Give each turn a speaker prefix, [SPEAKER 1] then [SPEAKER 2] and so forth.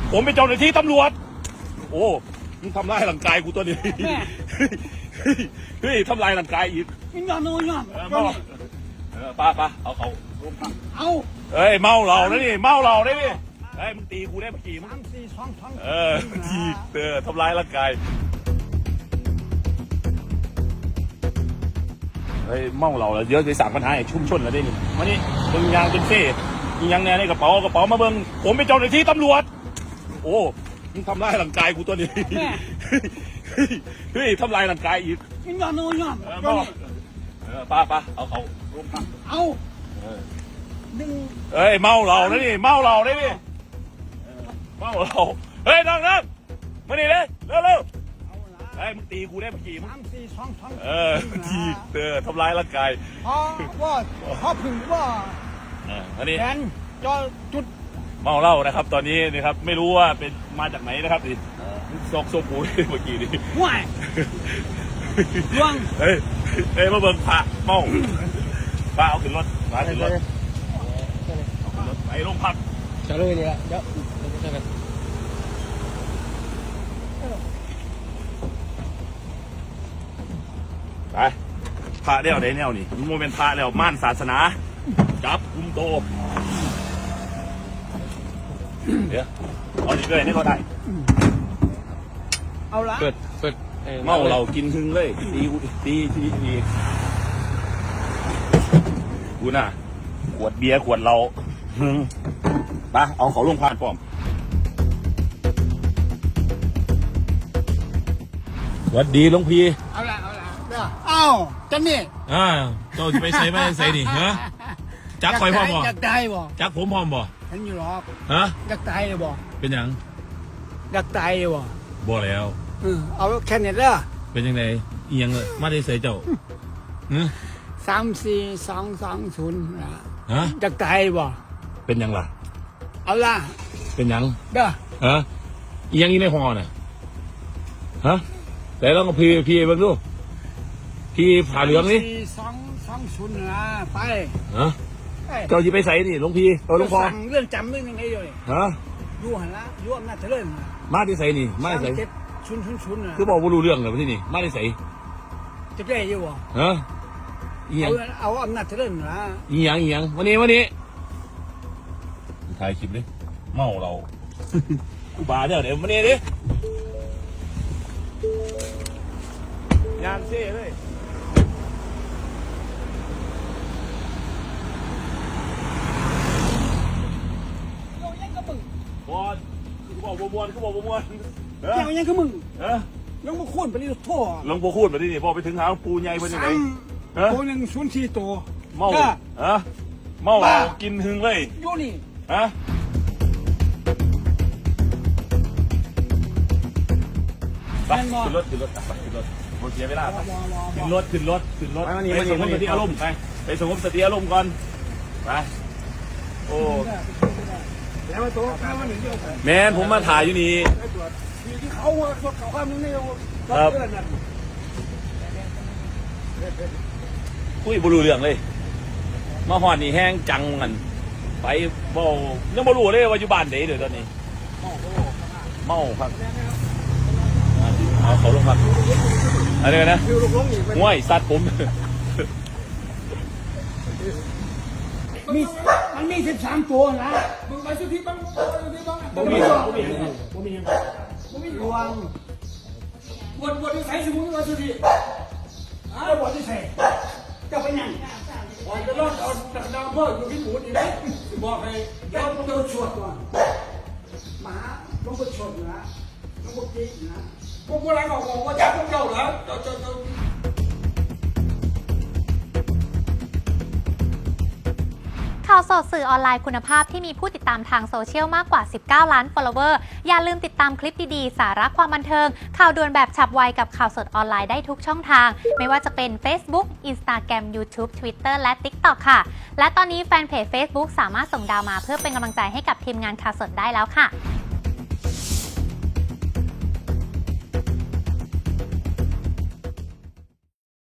[SPEAKER 1] ผมเป็นเจ้าหน้าที่ตำรวจโอ้มึงทำลายร่างกายกูตัวนี้เฮ้ยทำลายร่างกายอีก
[SPEAKER 2] ยอมยอม
[SPEAKER 1] ป้าเอาเขา
[SPEAKER 2] เอา
[SPEAKER 1] เอ้ยเมาเราได้ดิเมาเราได้ดิเฮ้ยมึงตีกูได้เมื่อกี้มึงตีทำลายร่างกายเฮ้ยเมาเราแล้วเยอะจะสั่งปัญหาชุ่มชนแล้วได้นี่มานี่มึงยางเป็นเซ่ยังแน่ในกระเป๋ามาเบิ้งผมเป็นเจ้าหน้าที่ตำรวจโอ้มึงทำลายร่างกายกูตัวนี้เฮ้ยทำลายร่างกายอีก
[SPEAKER 2] ยอม
[SPEAKER 1] ป้าเอาเขา
[SPEAKER 2] เอาดึง
[SPEAKER 1] เอ้ยเมาเราได้ดิเมาเราได้ดิเมาเราเฮ้ยนั่งมานี่เลยเร็วเฮ้ยมึงตีกูได้เมื่อกี้มึงตีทำลายร่างกาย
[SPEAKER 2] พอพึ่งว่า
[SPEAKER 1] อันนี้
[SPEAKER 2] แทนจอจุด
[SPEAKER 1] เมาเหล้านะครับตอนนี้นะครับไม่รู้ว่าเป็นมาจากไหนนะครับดิซอกโซปูเมื่อกี้นี่
[SPEAKER 2] ว้ายล่วง
[SPEAKER 1] เฮ้ยมาเบิ่งพระเมาพระเอาขึ้นรถมาขึ้นรถไปโรงพัก
[SPEAKER 2] จะเลยเนี่ยเดี๋ยว
[SPEAKER 1] ไปพระเดี่ยวได้แนวนี่มันโมเป็นพระแล้วม่านศาสนาจับกุมโตเดี๋ยวเอาดีเลยนี่เขาได้
[SPEAKER 2] เอาละ
[SPEAKER 1] เปิดเมาเรากินหึงเลยตีกูน่ะขวดเบียร์ขวดเราหึงไปเอาเขาลงพานป้อมสวัสดีหลวงพี่
[SPEAKER 2] เอาละเอาจันนี่
[SPEAKER 1] เจ้าจะไปใส่ไม่ใส่ดิฮะจักคอยพ่อมบ่
[SPEAKER 2] อยากตายบ่
[SPEAKER 1] จักผมพ่อมบ่
[SPEAKER 2] เห็นอยู่หรอก
[SPEAKER 1] ฮะ
[SPEAKER 2] อยากตายเลยบ่
[SPEAKER 1] เป็นยัง
[SPEAKER 2] อยากตายเลยบ่
[SPEAKER 1] แล้ว
[SPEAKER 2] เอาแค่นี้เด้อ
[SPEAKER 1] เป็นยังไงเอียงเลยมาได้ใส่เจ้า
[SPEAKER 2] 34220
[SPEAKER 1] ฮะ
[SPEAKER 2] อยากตายบ่
[SPEAKER 1] เป็นยังล่ะ
[SPEAKER 2] เอาล่ะ
[SPEAKER 1] เป็นยัง
[SPEAKER 2] เด้อ
[SPEAKER 1] ฮะเอียงนี่ในห่อน่ะฮะแต่ลองกับพี่เบิ่งดูพี่ผ่าเหลืองนี่
[SPEAKER 2] 4220นะไป
[SPEAKER 1] ฮะเจ้าจะไปใส่ดิหลวงพี่หลวงพ่อ
[SPEAKER 2] เรื่องจำเรื่องยังไงอยู่นี่
[SPEAKER 1] ฮะ
[SPEAKER 2] อยู่หันละอยู่อำนาจเจริญ
[SPEAKER 1] มาที่ใส่นี่มาที่ใส่
[SPEAKER 2] 000นะ
[SPEAKER 1] คือบอกว่ารู้เรื่องเลยที่นี่มาที่ใส่
[SPEAKER 2] จะได้อยู่บ่
[SPEAKER 1] ฮะเอียง
[SPEAKER 2] เอาอำนาจเจริญนะ
[SPEAKER 1] เอียงวันนี้ถ่ายคลิปดิเมาเรากูบาเดี๋ยววันนี้ดิยานเซ่เลยบอลคือบอกบวม
[SPEAKER 2] ยังคือมึงยังมาคูนไปนี่โทษ
[SPEAKER 1] ลงโบคูนไปที่นี่พอไปถึงหาปูใหญ่เป็นยังไง
[SPEAKER 2] ตัว104ตัว
[SPEAKER 1] เมากินหึงเลย
[SPEAKER 2] อยู่นี่
[SPEAKER 1] ไปขึ้นรถหมดเสียเวลาขึ้นรถไปสงบสติอารมณ์ไปสงบสติอารมณ์ก่อนไปโอ้แมนผมมาถ่ายอยู่นี่ครับคุยบรูเรื่องเลยมาหอนนี่แห้งจังกันไปบ่ยังบรูเลยว่าอยู่บ้านไหนเดี๋ยวตอนนี้เมาครับเอาเขาลงมาอะไรกันนะง่วยสัตว์ผม
[SPEAKER 2] มันมี13ตัวนะมึงไปสุดที่บ้างบ่มีรวงบวชที่ใส่สมุนไพรสุดที่บวชที่ใส่จะไปยังวันจะรอดเอาดาวเพิ่มอยู่ที่หมูดีไหมบอกให้เราต้องชดก่อนหมาต้องไปชดนะต้องไปกินนะพวกอะไรบอกว่าจับพวกเจ้าเหรอ
[SPEAKER 3] ข่าวสดสื่อออนไลน์คุณภาพที่มีผู้ติดตามทางโซเชียลมากกว่า19ล้าน follower อย่าลืมติดตามคลิปดีๆสาระความบันเทิงข่าวด่วนแบบฉับไวกับข่าวสดออนไลน์ได้ทุกช่องทางไม่ว่าจะเป็น Facebook Instagram YouTube Twitter และ TikTok ค่ะและตอนนี้แฟนเพจ Facebook สามารถส่งดาวมาเพื่อเป็นกำลังใจให้กับทีมงานข่าวสดได้แล้วค่ะ